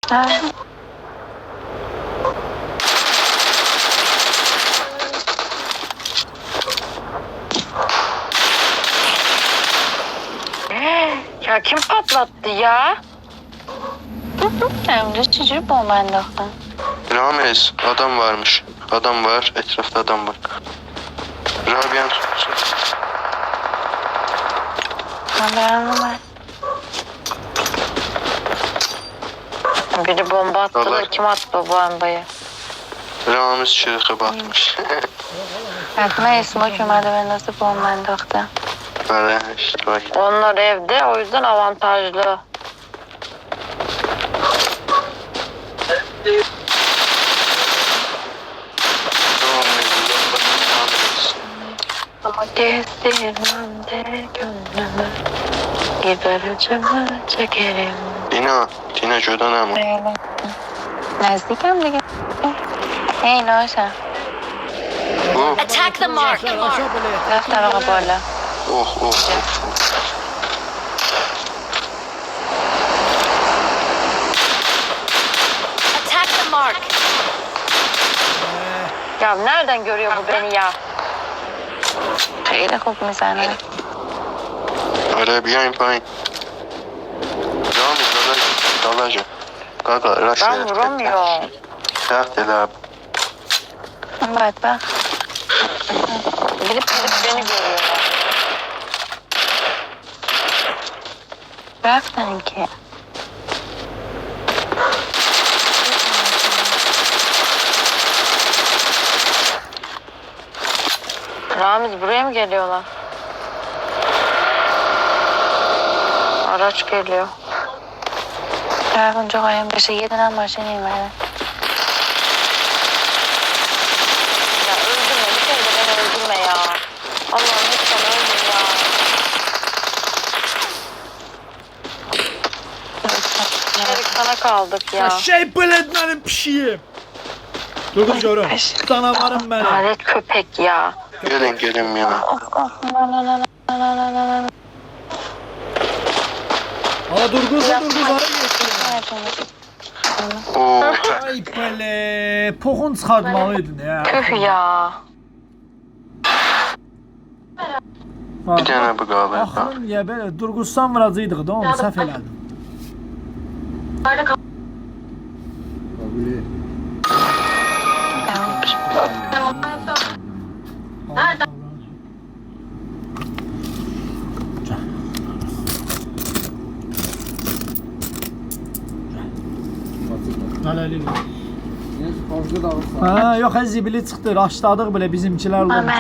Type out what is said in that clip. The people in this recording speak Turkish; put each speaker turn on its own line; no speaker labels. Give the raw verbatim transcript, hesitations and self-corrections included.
Ha. Ya kim patlattı ya? Hem de çocuk bombaydı.
Ramiz, adam varmış. Adam var, etrafta adam var. Rabia'nın tutsun.
Haberim var. Biri bomba attı da kim attı bu bombayı?
Ramiz çıkıp atmış.
Aklıma smoke ömerde ben nasıl bombaydı vakti.
Böyle işte bak.
Onlar evde, o yüzden avantajlı. Ama gezdirmemde gönlümü gider acımı çekerim.
Dina, Dina şuradan ama.
Nazdikam دیگه. Hey Noşa.
Oh,
Attack the mark.
Rafت طبقه بالا.
oh, oh.
Attack the mark.
Ya nereden görüyor bu beni ya? خیلی خوب میزنه.
Araya bir yayın payın. Ramiz, dalaca. Dalaca. Kaka, raş.
Ben vuramıyorum.
Taht el abi.
Evet bak. Gidip gidip beni görüyorlar. Raftan ki. Ramiz buraya mı geliyorlar? Araç geliyor. Eğer bunca koyun beşe yedinen maşın inmedi. Ya öldürme, bir kere de beni öldürme ya. Allah'ım lütfen öldür ya. Şerik sana kaldık ya.
Şey beledmenin pişiyim. Dur dur görüm. Canavarım benim.
Lanet köpek ya.
Gelin gelin ya.
Of of na na na na na na na na.
Aa dur kız dur kız ara geçsin.
Oo.
Ay böyle pokun çıkartmalıydın ya.
Tüh ya.
Bir tane bu galiba.
Axırın ya belə Durğustan vuracaqdıq da onu səhv elədim. Hələlik. Ha, yox, zibili çıxdı, raşladıq belə bizimkilər.